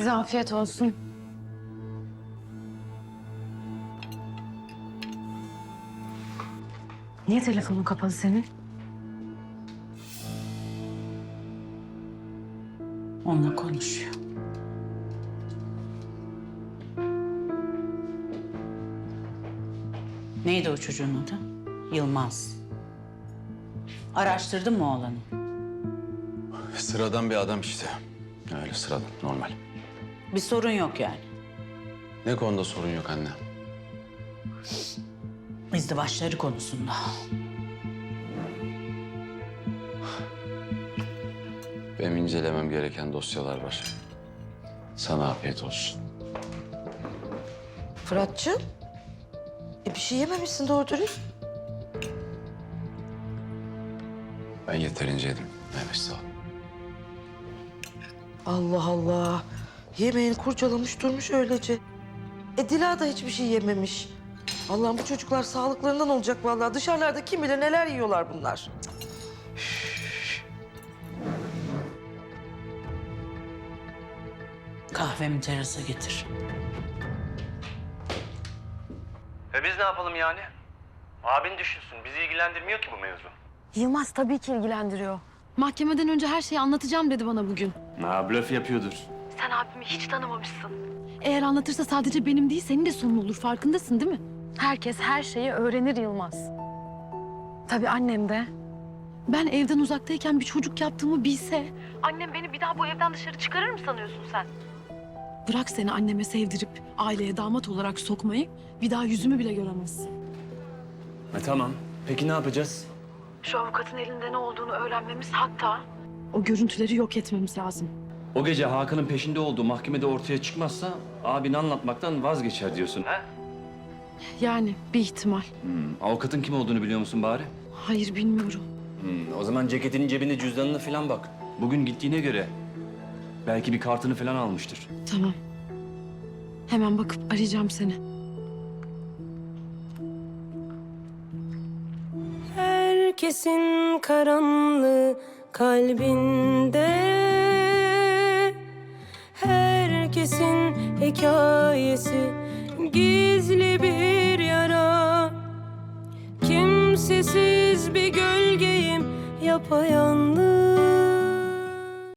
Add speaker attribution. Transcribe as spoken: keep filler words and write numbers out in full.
Speaker 1: Size afiyet olsun. Niye telefonun kapalı senin?
Speaker 2: Onunla konuşuyor. Neydi o çocuğun adı? Yılmaz. Araştırdın mı oğlanı?
Speaker 3: Sıradan bir adam işte. Öyle sıradan, normal.
Speaker 2: Bir sorun yok yani.
Speaker 3: Ne konuda sorun yok anne?
Speaker 2: İzdivaçları konusunda.
Speaker 3: Benim incelemem gereken dosyalar var. Sana afiyet olsun.
Speaker 4: Fırat'cığım, e bir şey yememişsin doğru dürüst.
Speaker 3: Ben yeterince yedim. Evet, sağ ol.
Speaker 4: Allah Allah. Yemeğini kurcalamış durmuş öylece. E Dila da hiçbir şey yememiş. Allah'ım bu çocuklar sağlıklarından olacak vallahi. Dışarılarda kim bilir neler yiyorlar bunlar.
Speaker 2: Kahvemi terasa getir.
Speaker 5: E biz ne yapalım yani? Abin düşünsün. Bizi ilgilendirmiyor ki bu mevzu.
Speaker 1: Yılmaz tabii ki ilgilendiriyor. Mahkemeden önce her şeyi anlatacağım dedi bana bugün.
Speaker 5: Ha, blöf yapıyordur.
Speaker 1: Sen abimi hiç tanımamışsın. Eğer anlatırsa sadece benim değil, senin de sonun olur. Farkındasın değil mi? Herkes her şeyi öğrenir Yılmaz. Tabii annem de. Ben evden uzaktayken bir çocuk yaptığımı bilse... Annem beni bir daha bu evden dışarı çıkarır mı sanıyorsun sen? Bırak seni anneme sevdirip aileye damat olarak sokmayı... ...bir daha yüzümü bile göremezsin.
Speaker 5: E tamam. Peki ne yapacağız?
Speaker 1: Şu avukatın elinde ne olduğunu öğrenmemiz, hatta... ...o görüntüleri yok etmemiz lazım.
Speaker 6: O gece Hakan'ın peşinde olduğu mahkemede ortaya çıkmazsa abini anlatmaktan vazgeçer diyorsun. He?
Speaker 1: Yani bir ihtimal.
Speaker 6: Hmm, avukatın kim olduğunu biliyor musun bari?
Speaker 1: Hayır, bilmiyorum.
Speaker 6: Hmm, o zaman ceketinin cebinde cüzdanına falan bak. Bugün gittiğine göre belki bir kartını falan almıştır.
Speaker 1: Tamam. Hemen bakıp arayacağım seni.
Speaker 7: Herkesin karanlığı kalbinde, herkesin hikayesi gizli bir yara. Kimsesiz bir gölgeyim yapayalnız.